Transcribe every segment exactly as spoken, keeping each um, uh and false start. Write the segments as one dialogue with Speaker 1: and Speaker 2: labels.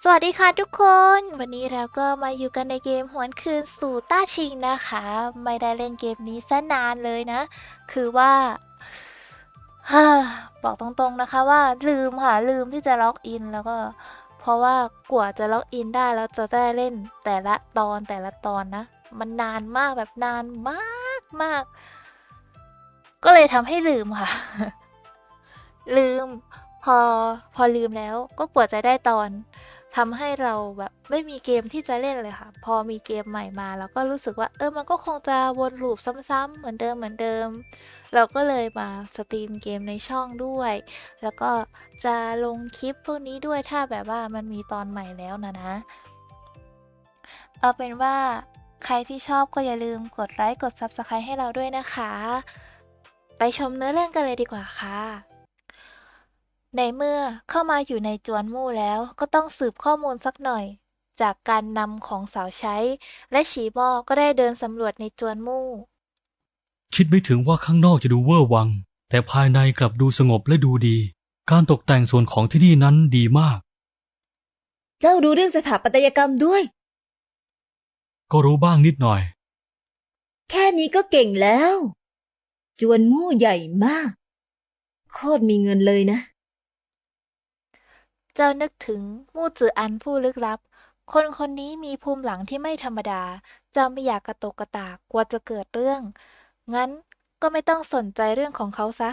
Speaker 1: สวัสดีค่ะทุกคน วันนี้เราก็มาอยู่กันในเกมหวนคืนสู่ต้าชิงนะคะ ไม่ได้เล่นเกมนี้ซะนานเลยนะ คือว่า ฮ่าบอกตรงๆนะคะว่าลืมค่ะลืมที่จะล็อกอินแล้วก็เพราะว่ากว่าจะล็อกอินได้แล้วจะได้เล่นแต่ละตอนแต่ละตอนนะ มันนานมากแบบนานมากมาก ก็เลยทำให้ลืมค่ะ ลืมพอพอลืมแล้วก็กว่าจะได้ตอนทำให้เราแบบไม่มีเกมที่จะเล่นเลยค่ะพอมีเกมใหม่มาเราก็รู้สึกว่าเออมันก็คงจะวนลูปซ้ำๆเหมือนเดิมเหมือนเดิมเราก็เลยมาสตรีมเกมในช่องด้วยแล้วก็จะลงคลิปพวกนี้ด้วยถ้าแบบว่ามันมีตอนใหม่แล้วนะนะเอาเป็นว่าใครที่ชอบก็อย่าลืมกดไลค์กด ซับสไครบ์ ให้เราด้วยนะคะไปชมเนื้อเรื่องกันเลยดีกว่าค่ะ ในเมื่อเข้ามาอยู่ในจวนมู่แล้วก็ต้องสืบข้อมูลสักหน่อยจากการนำของสาวใช้และฉีบอก็ได้เดินสำรวจในจวนมู่
Speaker 2: คิดไม่ถึงว่าข้างนอกจะดูเวอร์วังแต่ภายในกลับดูสงบและดูดีการตกแต่งส่วนของที่นี่นั้นดีมาก
Speaker 3: เจ้ารู้เรื่องสถาปัตยกรรมด้วย
Speaker 2: ก็รู้บ้างนิดหน่อย
Speaker 3: แค่นี้ก็เก่งแล้ว จวนมู่ใหญ่มาก โคตรมีเงินเลยนะ
Speaker 1: เจ้านึกถึงมู่จืออันผู้ลึกลับ คนคนนี้มีภูมิหลังที่ไม่ธรรมดา เจ้าไม่อยากกระตกกระตากกลัวจะเกิดเรื่อง งั้นก็ไม่ต้องสนใจเรื่องของเขาซะ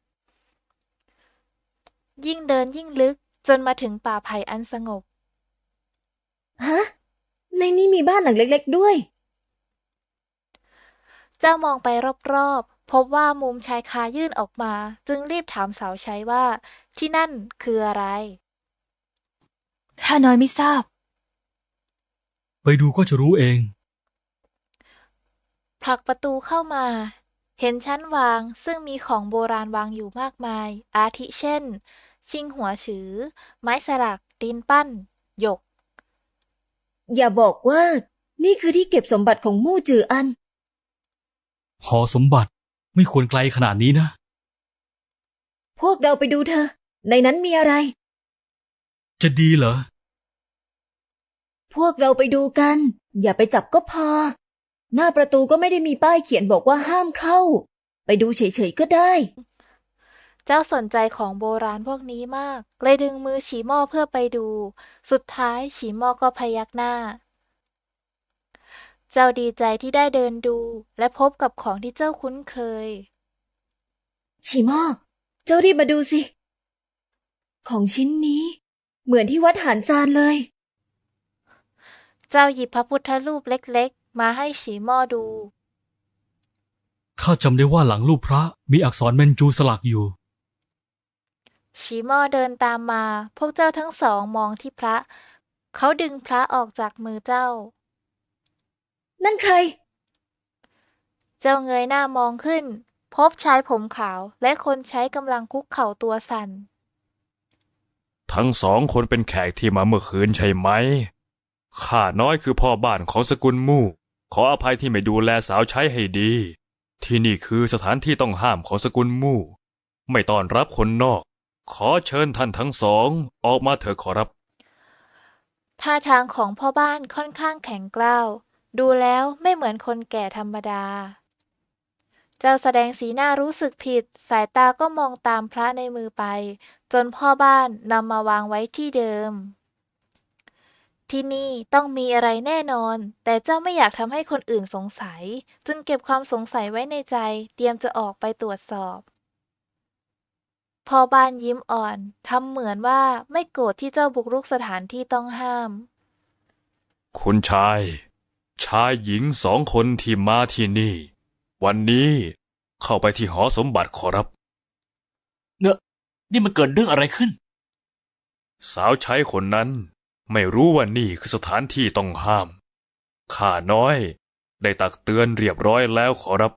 Speaker 1: ยิ่งเดินยิ่งลึกจนมาถึงป่าไผ่อันสงบ
Speaker 3: ฮะ ในนี้มีบ้านหลังเล็กๆด้วย
Speaker 1: เจ้ามองไปรอบๆ พบว่ามุมชายคายื่นออกมา จึงรีบถามสาวใช้ว่า ที่นั่นคืออะไร
Speaker 3: ข้าน้อยไม่ทราบ
Speaker 2: ไปดูก็จะรู้เอง
Speaker 1: ผลักประตูเข้ามา เห็นชั้นวางซึ่งมีของโบราณวางอยู่มากมาย อาทิเช่น ชิงหัวฉือ ไม้สลักดินปั้น หยก
Speaker 3: อย่าบอกว่า นี่คือที่เก็บสมบัติของมู่จืออัน
Speaker 2: หอสมบัติไม่ควรไกลขนาดนี้นะ
Speaker 3: พวกเราไปดูเธอ ในนั้นมีอะไร
Speaker 2: จะดีเหรอ
Speaker 3: พวกเราไปดูกัน อย่าไปจับก็พอ หน้าประตูก็ไม่ได้มีป้ายเขียนบอกว่าห้ามเข้า ไปดูเฉยๆก็ได้
Speaker 1: เจ้าสนใจของโบราณพวกนี้มาก เลยดึงมือฉีหม้อเพื่อไปดู สุดท้ายฉีหม้อก็พยักหน้า เจ้าดีใจที่ได้เดินดูและพบกับของที่เจ้าคุ้นเคย
Speaker 3: ชิม่อเจ้ารีบมาดูสิ ของชิ้นนี้ เหมือนที่วัดหานซานเลย
Speaker 1: เจ้าหยิบพระพุทธรูปเล็กๆ มาให้ฉีหม้อดู
Speaker 2: ข้าจำได้ว่าหลังรูปพระมีอักษรเมนจูสลักอยู่
Speaker 1: ฉีหม้อเดินตามมา พวกเจ้าทั้งสองมองที่พระ เขาดึงพระออกจากมือเจ้า
Speaker 3: นั่นใคร
Speaker 1: เจ้าเงยหน้ามองขึ้น พบชายผมขาวและคนใช้กำลังคุกเข่าตัวสั่น
Speaker 4: ทั้งสองคนเป็นแขกที่มาเมื่อคืนใช่ไหม ข้าน้อยคือพ่อบ้านของสกุลมู่ ขออภัยที่ไม่ดูแลสาวใช้ให้ดี ที่นี่คือสถานที่ต้องห้ามของสกุลมู่ ไม่ต้อนรับคนนอก ขอเชิญท่านทั้งสองออกมาเถอะขอรับ
Speaker 1: ท่าทางของพ่อบ้านค่อนข้างแข็งกร้าว ดูแล้วไม่เหมือนคนแก่ธรรมดา เจ้าแสดงสีหน้ารู้สึกผิด สายตาก็มองตามพระในมือไป จนพ่อบ้านนำมาวางไว้ที่เดิม ที่นี่ต้องมีอะไรแน่นอน แต่เจ้าไม่อยากทำให้คนอื่นสงสัย จึงเก็บความสงสัยไว้ในใจ เตรียมจะออกไปตรวจสอบ พ่อบ้านยิ้มอ่อน ทำเหมือนว่าไม่โกรธที่เจ้าบุกรุกสถานที่ต้องห้าม
Speaker 4: คุณชาย ชายหญิงสองคนที่มาที่นี่ วันนี้เข้าไปที่หอสมบัติขอรับ
Speaker 5: เนอะนี่มันเกิดเรื่องอะไรขึ้น
Speaker 4: สาวใช้คนนั้นไม่รู้ว่านี่คือสถานที่ต้องห้าม ข้าน้อยได้ตักเตือนเรียบร้อยแล้วขอรับ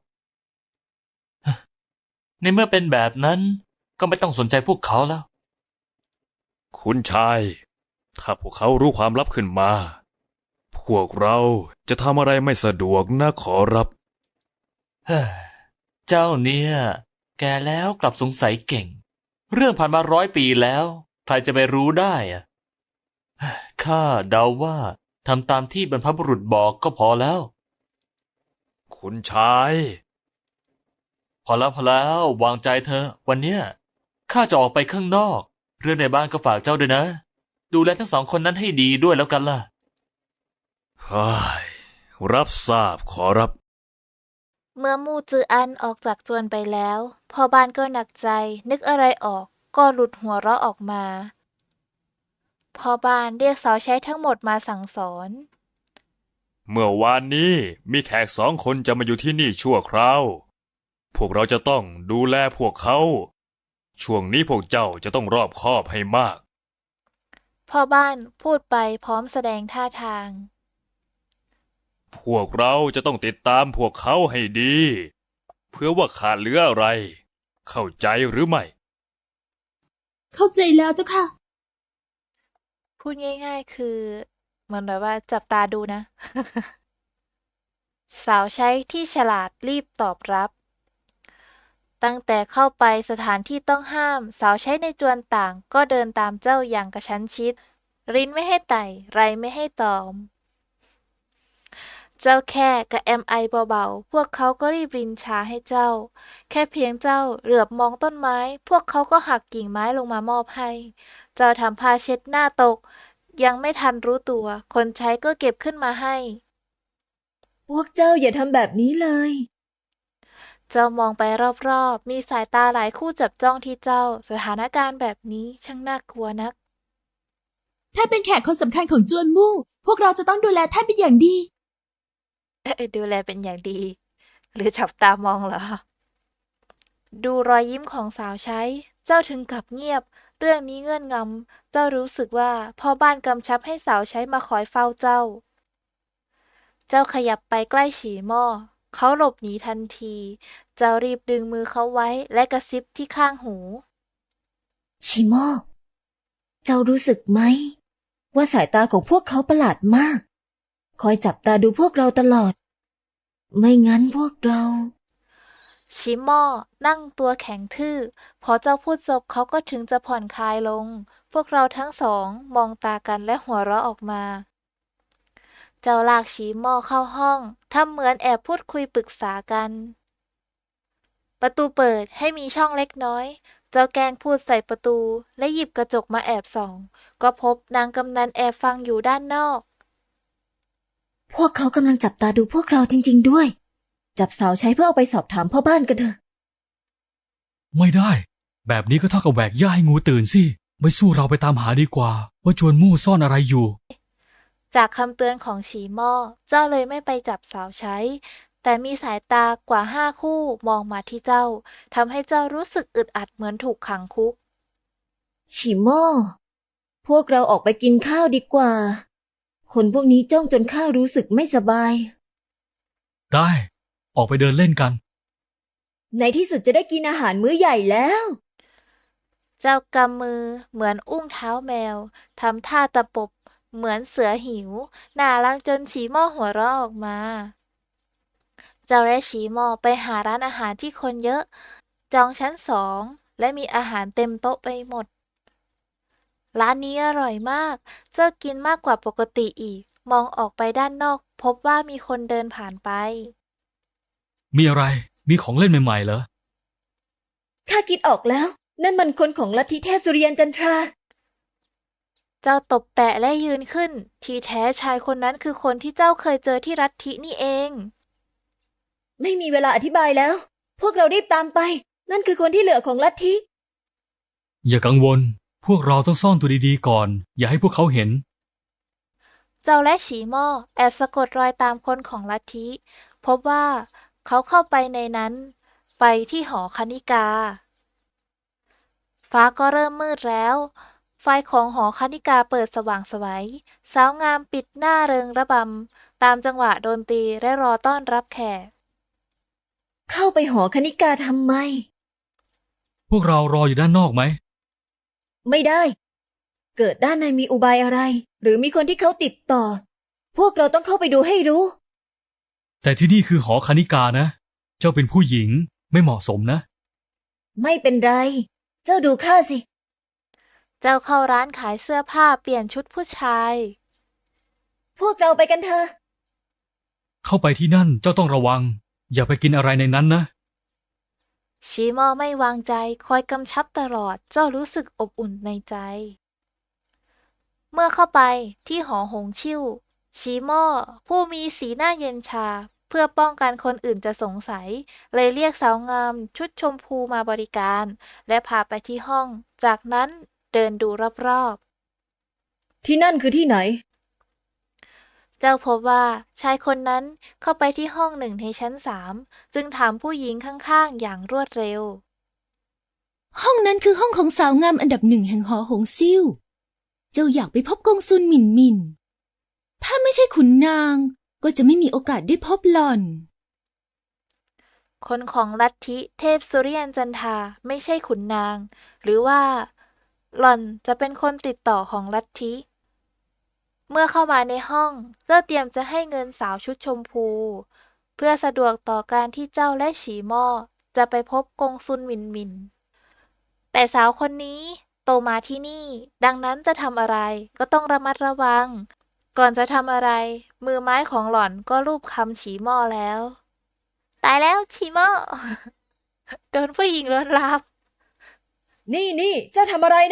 Speaker 5: ในเมื่อเป็นแบบนั้นก็ไม่ต้องสนใจพวกเขาแล้ว
Speaker 4: คุณชาย ถ้าพวกเขารู้ความลับขึ้นมา พวกเราจะทำอะไรไม่สะดวกนะขอรับ
Speaker 5: เฮ้อเจ้าเนี่ย แกแล้วกลับสงสัยเก่ง เรื่องผ่านมาร้อยปีแล้ว ใครจะไปรู้ได้อะข้าเดาว่าทำตามที่บรรพบุรุษบอกก็พอแล้ว
Speaker 4: คุณชาย
Speaker 5: พอแล้วพอแล้ววางใจเธอะวันเนี้ยข้าจะออกไปข้างนอก เรื่องในบ้านก็ฝากเจ้าด้วยนะ ดูแลทั้งสองคนนั้นให้ดีด้วยแล้วกันล่ะ
Speaker 4: เฮ้ย รับทราบขอรับ
Speaker 1: เมื่อมู่จืออันออกจากจวนไปแล้วพ่อบ้านก็หนักใจ นึกอะไรออกก็หลุดหัวเราะออกมาพ่อบ้านเรียกสาวใช้ทั้งหมดมาสั่งสอน
Speaker 4: เมื่อวานนี้มีแขกสองคนจะมาอยู่ที่นี่ชั่วคราว พวกเราจะต้องดูแลพวกเขา ช่วงนี้พวกเจ้าจะต้องรอบคอบให้มาก
Speaker 1: พ่อบ้านพูดไปพร้อมแสดงท่าทาง
Speaker 4: พวกเราจะต้องติดตามพวกเขาให้ดี เพื่อว่าขาดเหลืออะไร เข้าใจหรือไม่
Speaker 6: เข้าใจแล้วเจ้าค่ะ
Speaker 1: พูดง่ายๆ คือเหมือนแบบว่าจับตาดูนะ สาวใช้ที่ฉลาดรีบตอบรับ ตั้งแต่เข้าไปสถานที่ต้องห้าม สาวใช้ในจวนต่างก็เดินตามเจ้าอย่างกระชั้นชิด ริ้นไม่ให้ไต่ ไรไม่ให้ตอม เจ้าแค่กระแอมไอเบาๆ พวกเขาก็รีบรินชาให้เจ้า แค่เพียงเจ้าเหลือบมองต้นไม้ พวกเขาก็หักกิ่งไม้ลงมามอบให้ เจ้าทำผ้าเช็ดหน้าตก ยังไม่ทันรู้ตัว คนใช้ก็เก็บขึ้นมาให้
Speaker 3: พวกเจ้าอย่าทำแบบนี้เลย
Speaker 1: เจ้ามองไปรอบๆ มีสายตาหลายคู่จับจ้องที่เจ้า สถานการณ์แบบนี้ช่างน่ากลัวนัก
Speaker 6: ท่านเป็นแขกคนสำคัญของจวนมู่ พวกเราจะต้องดูแลท่านเป็นอย่างดี
Speaker 1: เอ๊ะดูแลเป็นอย่างดี หรือจับตามองเหรอ ดูรอยยิ้มของสาวใช้ เจ้าถึงกับเงียบ เรื่องนี้เงื่อนงำ เจ้ารู้สึกว่าพ่อบ้านกำชับให้สาวใช้มาคอยเฝ้าเจ้า เจ้าขยับไปใกล้ฉีหม้อ เขาหลบหนีทันที เจ้ารีบดึงมือเขาไว้และกระซิบที่ข้างหู
Speaker 3: ชิโมเจ้ารู้สึกไหม ว่าสายตาของพวกเขาประหลาดมาก คอยจับตาดูพวกเราตลอด ไม่งั้นพวกเรา
Speaker 1: ชิมอนั่งตัวแข็งทื่อ พอเจ้าพูดจบเขาก็ถึงจะผ่อนคลายลง พวกเราทั้งสองมองตากันและหัวเราะออกมา เจ้าลากชิมอเข้าห้องทำเหมือนแอบพูดคุยปรึกษากัน ประตูเปิดให้มีช่องเล็กน้อย เจ้าแกล้งพูดใส่ประตูและหยิบกระจกมาแอบส่อง ก็พบนางกำนันแอบฟังอยู่ด้านนอก
Speaker 3: พวกเขากำลังจับตาดูพวกเราจริงๆด้วย จับสาวใช้เพื่อเอาไปสอบถามพ่อบ้านกันเถอะ
Speaker 2: ไม่ได้ แบบนี้ก็เท่ากับแหวกหญ้าให้งูตื่นสิ ไม่สู้เราไปตามหาดีกว่า ว่าจวนมู่ซ่อนอะไรอยู่
Speaker 1: จากคำเตือนของฉีหม้อ เจ้าเลยไม่ไปจับสาวใช้ แต่มีสายตากว่าห้าคู่มองมาที่เจ้าทำให้เจ้ารู้สึกอึดอัดเหมือนถูกขังคุก
Speaker 3: ชิโมพวกเราออกไปกินข้าวดีกว่า คนพวกนี้จ้องจนข้ารู้สึกไม่สบาย
Speaker 2: ได้ ออกไปเดินเล่นกัน
Speaker 3: ในที่สุดจะได้กินอาหารมื้อใหญ่แล้ว
Speaker 1: เจ้ากำมือเหมือนอุ้งเท้าแมวทำท่าตะปบเหมือนเสือหิวน่ารักจนฉีหม้อหัวเราะออกมา เจ้าและฉีหม้อไปหาร้านอาหารที่คนเยอะ จองชั้นสองและมีอาหารเต็มโต๊ะไปหมด ร้านนี้อร่อยมาก เจ้ากินมากกว่าปกติอีก มองออกไปด้านนอก พบว่ามีคนเดินผ่านไป
Speaker 2: มีอะไร มีของเล่นใหม่ๆเหรอ
Speaker 3: ข้าคิดออกแล้ว นั่นมันคนของลัทธิเทพสุริยันจันทรา
Speaker 1: เจ้าตบแปะและยืนขึ้น ที่แท้ชายคนนั้นคือคนที่เจ้าเคยเจอที่รัฐทินี่เอง
Speaker 3: ไม่มีเวลาอธิบายแล้ว พวกเรารีบตามไป นั่นคือคนที่เหลือของลัทธิ
Speaker 2: อย่ากังวล พวกเราต้องซ่อนตัวดีๆก่อน อย่าให้พวกเขาเห็น
Speaker 1: เจ้าและฉีหม้อแอบสะกดรอยตามคนของลัทธิ พบว่าเขาเข้าไปในนั้น ไปที่หอคณิกา ฟ้าก็เริ่มมืดแล้ว ไฟของหอคณิกาเปิดสว่างไสวสาวงามปิดหน้าเริงระบำตามจังหวะดนตรีและรอต้อนรับแขก
Speaker 3: เข้าไปหอคณิกาทำไม
Speaker 2: พวกเรารออยู่ด้านนอกไหม
Speaker 3: ไม่ได้ เกิดด้านในมีอุบายอะไร หรือมีคนที่เขาติดต่อ พวกเราต้องเข้าไปดูให้รู้
Speaker 2: แต่ที่นี่คือหอคณิกานะ เจ้าเป็นผู้หญิงไม่เหมาะสมนะ
Speaker 3: ไม่เป็นไร เจ้าดูข้าสิ
Speaker 1: เจ้าเข้าร้านขายเสื้อผ้าเปลี่ยนชุดผู้ชาย
Speaker 3: พวกเราไปกันเถอะ
Speaker 2: เข้าไปที่นั่นเจ้าต้องระวัง อย่าไปกินอะไรในนั้นนะ
Speaker 1: ชีมอไม่วางใจคอยกำชับตลอดเจ้ารู้สึกอบอุ่นในใจ เมื่อเข้าไปที่หอหงชิ่วชีมอผู้มีสีหน้าเย็นชาเพื่อป้องกันคนอื่นจะสงสัย เลยเรียกสาวงามชุดชมพูมาบริการ และพาไปที่ห้อง จากนั้นเดินดูรอบๆ
Speaker 3: ที่นั่นคือที่ไหน
Speaker 1: เจ้าพบว่าชายคนนั้นเข้าไปที่ห้องหนึ่งในชั้นสามจึงถามผู้หญิงข้างๆอย่างรวดเร็ว
Speaker 6: ห้องนั้นคือห้องของสาวงามอันดับหนึ่งแห่งหอหงซิ่ว เจ้าอยากไปพบกงซุนหมินหมิน ถ้าไม่ใช่ขุนนาง ก็จะไม่มีโอกาสได้พบหล่อน
Speaker 1: คนของลัทธิเทพสุริยันจันทราไม่ใช่ขุนนาง หรือว่า หล่อนจะเป็นคนติดต่อของลัทธิ เมื่อเข้ามาในห้องเจ้าเตรียมจะให้เงินสาวชุดชมพู เพื่อสะดวกต่อการที่เจ้าและฉีหม้อจะไปพบกงซุนหมินหมิน แต่สาวคนนี้โตมาที่นี่ ดังนั้นจะทำอะไรก็ต้องระมัดระวัง ก่อนจะทำอะไร มือไม้ของหล่อนก็รูปคำฉีหม้อแล้ว ตายแล้วฉีหม้อ โดนผู้หญิงลวนลาม
Speaker 3: นี่นี่เจ้าทำอะไรนะ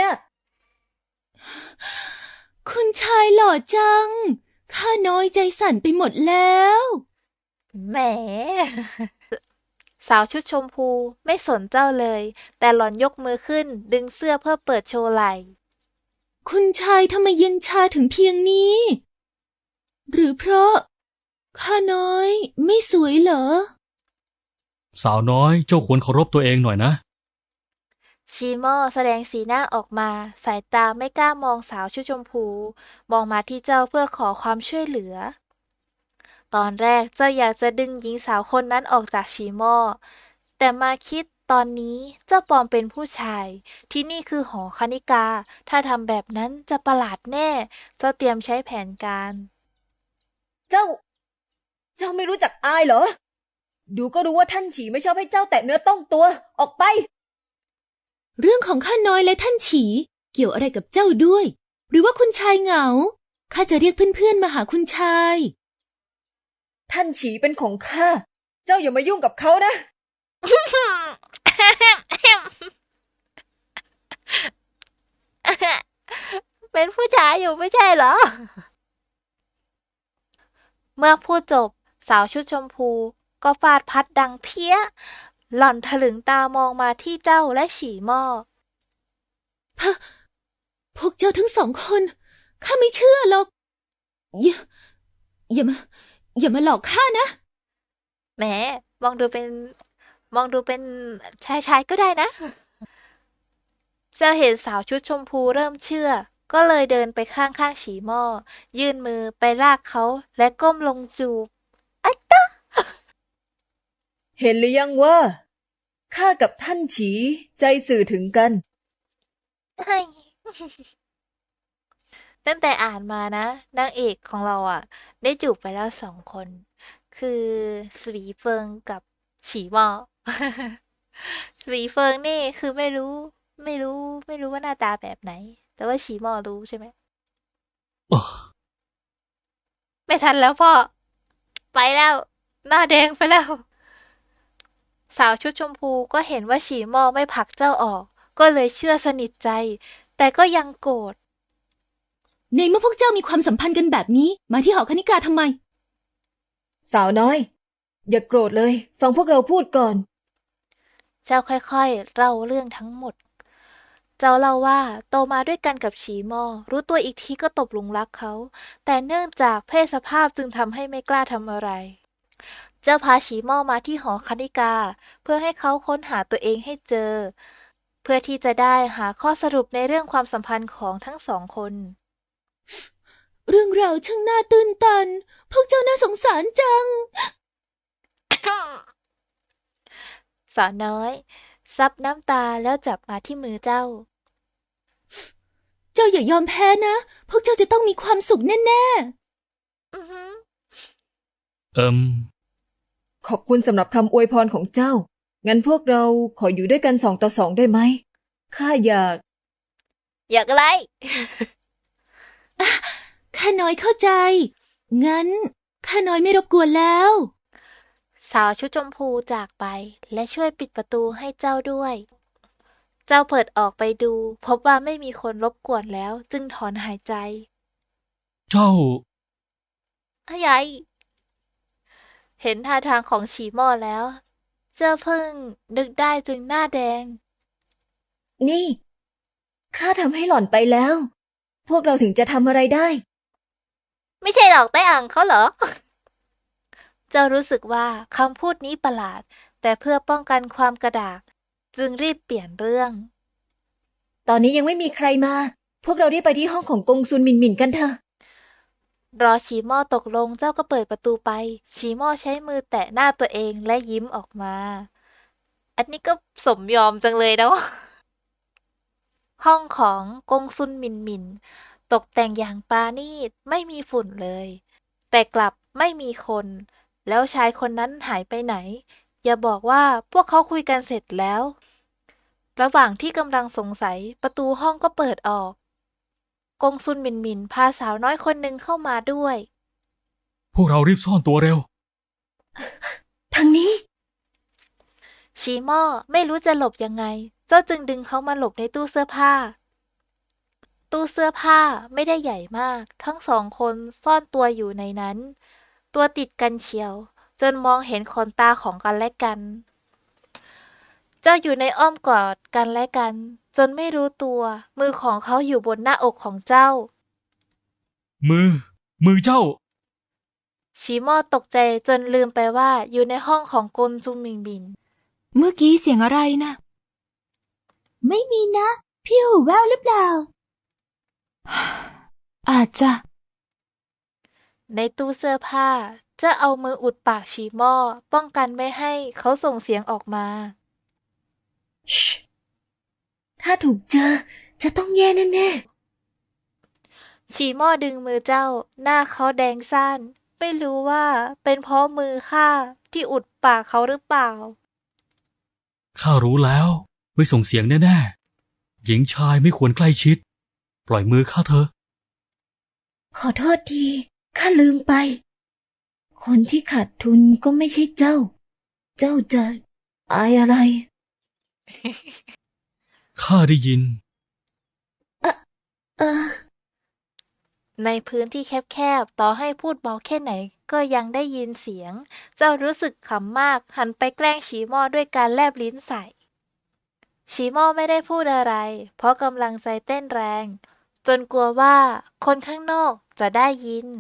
Speaker 6: คุณชายหล่อจัง ข้าน้อยใจสั่นไปหมดแล้ว
Speaker 1: แหม สาวชุดชมพูไม่สนเจ้าเลย แต่หล่อนยกมือขึ้นดึงเสื้อเพื่อเปิดโชว์ไหล่
Speaker 6: คุณชายทำไมเย็นชาถึงเพียงนี้ หรือเพราะข้าน้อยไม่สวยเหรอ
Speaker 2: สาวน้อยเจ้าควรเคารพตัวเองหน่อยนะ
Speaker 1: ชีโม่แสดงสีหน้าออกมา สายตาไม่กล้ามองสาวชุดชมพู มองมาที่เจ้าเพื่อขอความช่วยเหลือ ตอนแรกเจ้าอยากจะดึงหญิงสาวคนนั้นออกจากชีโม่แต่มาคิดตอนนี้เจ้าปลอมเป็นผู้ชาย ที่นี่คือหอคณิกา ถ้าทำแบบนั้นจะประหลาดแน่ เจ้าเตรียมใช้แผนการ
Speaker 3: เจ้า เจ้าไม่รู้จักอายเหรอ ดูก็รู้ว่าท่านฉีไม่ชอบให้เจ้าแตะเนื้อต้องตัว ออกไป
Speaker 6: เรื่องของข้าน้อยและท่านฉีเกี่ยวอะไรกับเจ้าด้วย หรือว่าคุณชายเหงา ข้าจะเรียกเพื่อนๆมาหาคุณชาย
Speaker 3: ท่านฉีเป็นของข้า เจ้าอย่ามายุ่งกับเขานะ
Speaker 1: เป็นผู้ชายอยู่ไม่ใช่เหรอ เมื่อพูดจบสาวชุดชมพูก็ฟาดพัดดังเพี้ย หล่อนถลึงตามองมาที่เจ้าและฉีหม้อ
Speaker 6: พวกเจ้าทั้งสองคน ข้าไม่เชื่อหรอก อย่า อย่ามา อย่ามาหลอกข้านะ
Speaker 1: แหมมองดูเป็น มองดูเป็นชายชายก็ได้นะ เจ้าเห็นสาวชุดชมพูเริ่มเชื่อ ก็เลยเดินไปข้างๆฉีหม้อ ยื่นมือไปลากเขาและก้มลงจูบ
Speaker 3: เห็นหรือยังว่าข้ากับท่านฉีใจสื่อถึงกัน
Speaker 1: เฮ้ย ตั้งแต่อ่านมานะนางเอกของเราอ่ะ ได้จูบไปแล้วสองคน คือสวีเฟิงกับฉีหม้อ สวีเฟิงนี่คือไม่รู้ ไม่รู้ ไม่รู้ว่าหน้าตาแบบไหน แต่ว่าฉีหม้อรู้ใช่ไหม
Speaker 2: โอ้
Speaker 1: ไม่ทันแล้วพ่อ ไปแล้ว หน้าแดงไปแล้ว สาวชุดชมพูก็เห็นว่าฉีหม้อไม่ผลักเจ้าออก ก็เลยเชื่อสนิทใจ แต่ก็ยังโกรธ
Speaker 6: ในเมื่อพวกเจ้ามีความสัมพันธ์กันแบบนี้ มาที่หอคณิกาทำไม
Speaker 3: สาวน้อย อย่าโกรธเลย ฟังพวกเราพูดก่อน
Speaker 1: เจ้าค่อยๆเล่าเรื่องทั้งหมด เจ้าเล่าว่าโตมาด้วยกันกับฉีหม้อ รู้ตัวอีกทีก็ตกหลุมรักเขา แต่เนื่องจากเพศสภาพจึงทำให้ไม่กล้าทำอะไร เจ้าพาฉีหม้อมาที่หอคณิกา เพื่อให้เขาค้นหาตัวเองให้เจอ เพื่อที่จะได้หาข้อสรุปในเรื่องความสัมพันธ์ของทั้งสองคน
Speaker 6: เรื่องราวช่างน่าตื่นตัน พวกเจ้าน่าสงสารจัง
Speaker 1: สาวน้อยซับน้ำตาแล้วจับมาที่มือเจ้า
Speaker 6: เจ้าอย่ายอมแพ้นะ พวกเจ้าจะต้องมีความสุขแน่
Speaker 1: อือหือ
Speaker 2: เอิม
Speaker 3: ขอบคุณสำหรับคำอวยพรของเจ้า งั้นพวกเราขออยู่ด้วยกันสองต่อสองได้ไหม ข้าอยาก
Speaker 1: อยากอะไร
Speaker 6: ข้าน้อยเข้าใจ งั้นข้าน้อยไม่รบกวนแล้ว
Speaker 1: สาวชุดชมพูจากไปและช่วยปิดประตูให้เจ้าด้วย เจ้าเปิดออกไปดู พบว่าไม่มีคนรบกวนแล้วจึงถอนหายใจ
Speaker 2: เจ้า
Speaker 1: อะไรเห็นท่าทางของฉีหม้อแล้ว เจ้าเพิ่งนึกได้จึงหน้าแดง
Speaker 3: นี่ ข้าทำให้หล่อนไปแล้ว พวกเราถึงจะทำอะไรได้
Speaker 1: ไม่ใช่หรอกไต้อังเขาเหรอ เจ้ารู้สึกว่าคำพูดนี้ประหลาด แต่เพื่อป้องกันความกระดาก จึงรีบเปลี่ยนเรื่อง
Speaker 3: ตอนนี้ยังไม่มีใครมา พวกเราได้ไปที่ห้องของกงซุนหมินหมินกันเถอะ
Speaker 1: รอฉีหม้อตกลงเจ้าก็เปิดประตูไป ฉีหม้อใช้มือแตะหน้าตัวเองและยิ้มออกมา อันนี้ก็สมยอมจังเลยนะ ห้องของกงซุนหมินหมิน ตกแต่งอย่างปราณีตไม่มีฝุ่นเลย แต่กลับไม่มีคน แล้วชายคนนั้นหายไปไหน อย่าบอกว่าพวกเขาคุยกันเสร็จแล้ว ระหว่างที่กำลังสงสัยประตูห้องก็เปิดออก กงซุนหมินหมินพาสาวน้อยคนหนึ่งเข้ามาด้วย
Speaker 2: พวกเรารีบซ่อนตัวเร็ว
Speaker 3: ทางนี้
Speaker 1: ชีหม้อไม่รู้จะหลบยังไง เจ้าจึงดึงเขามาหลบในตู้เสื้อผ้า ตู้เสื้อผ้าไม่ได้ใหญ่มาก ทั้งสองคนซ่อนตัวอยู่ในนั้น ตัวติดกันเชียว จนมองเห็นขนตาของกันและกัน เจ้าอยู่ในอ้อมกอดกันและกัน จนไม่รู้ตัว มือของเขาอยู่บนหน้าอกของเจ้า
Speaker 2: มือ มือเจ้า
Speaker 1: ชีหม้อตกใจจนลืมไปว่าอยู่ในห้องของกงซุนหมินหมิน
Speaker 6: เมื่อกี้เสียงอะไรนะ
Speaker 3: ไม่มีนะ พี่หูแววหรือเปล่า
Speaker 6: อาจจะ
Speaker 1: ในตู้เสื้อผ้าเจ้าเอามืออุดปากชีหม้อป้องกันไม่ให้เขาส่งเสียงออกมา
Speaker 3: ถ้าถูกเจอ จะต้องแย่แน่
Speaker 1: ชีหม้อดึงมือเจ้า หน้าเขาแดงซ่านไม่รู้ว่าเป็นเพราะมือข้าที่อุดปากเขาหรือเปล่า
Speaker 2: ข้ารู้แล้ว ไม่ส่งเสียงแน่ๆ หญิงชายไม่ควรใกล้ชิด ปล่อยมือข้าเถอะ
Speaker 3: ๆ ขอโทษที ข้าลืมไป คนที่ขาดทุนก็ไม่ใช่เจ้า เจ้าจะอายอะไร
Speaker 2: ข้าได้ยิน
Speaker 3: เออ
Speaker 1: ในพื้นที่แคบๆ ต่อให้พูดเบาแค่ไหนก็ยังได้ยินเสียง เจ้ารู้สึกขำมากหันไปแกล้งชีหม้อด้วยการแลบลิ้นใส่ ชีหม้อไม่ได้พูดอะไร เพราะกำลังใจเต้นแรง จนกลัวว่าคนข้างนอกจะได้ยิน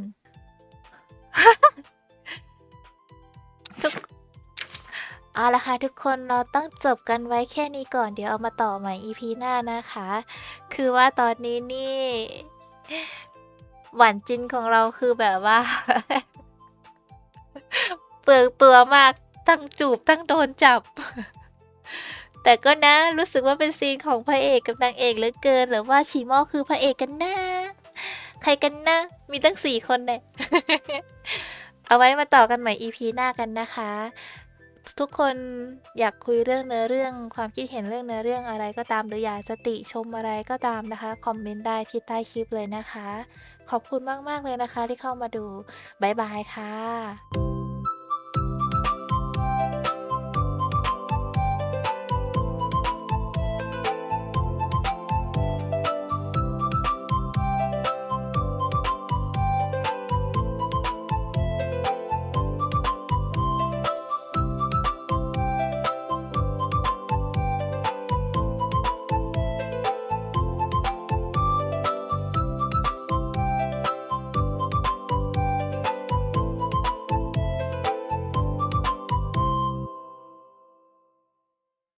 Speaker 1: ทุกเอาละค่ะทุกคนเราต้องจบกันไว้แค่นี้ก่อนเดี๋ยวเอามาต่อใหม่ อี พี หน้านะคะ คือว่าตอนนี้นี่ หวานจินของเราคือแบบว่า เปลืองตัวมากทั้งจูบทั้งโดนจับ แต่ก็นะรู้สึกว่าเป็นซีนของพระเอกกับนางเอกเหลือเกิน หรือว่าชีหม้อคือพระเอกกันนะ ใครกันนะ มีตั้งสี่คนเนี่ย เอาไว้มาต่อกันใหม่ อี พี หน้ากันนะคะ ทุกคนอยากคุยเรื่องเนื้อเรื่องความคิดเห็นเรื่องเนื้อเรื่องอะไรก็ตามหรืออยากจะติชมอะไรก็ตามนะคะคอมเมนต์ได้ที่ใต้คลิปเลยนะคะ ขอบคุณมากๆเลยนะคะที่เข้ามาดูบ๊ายบายค่ะ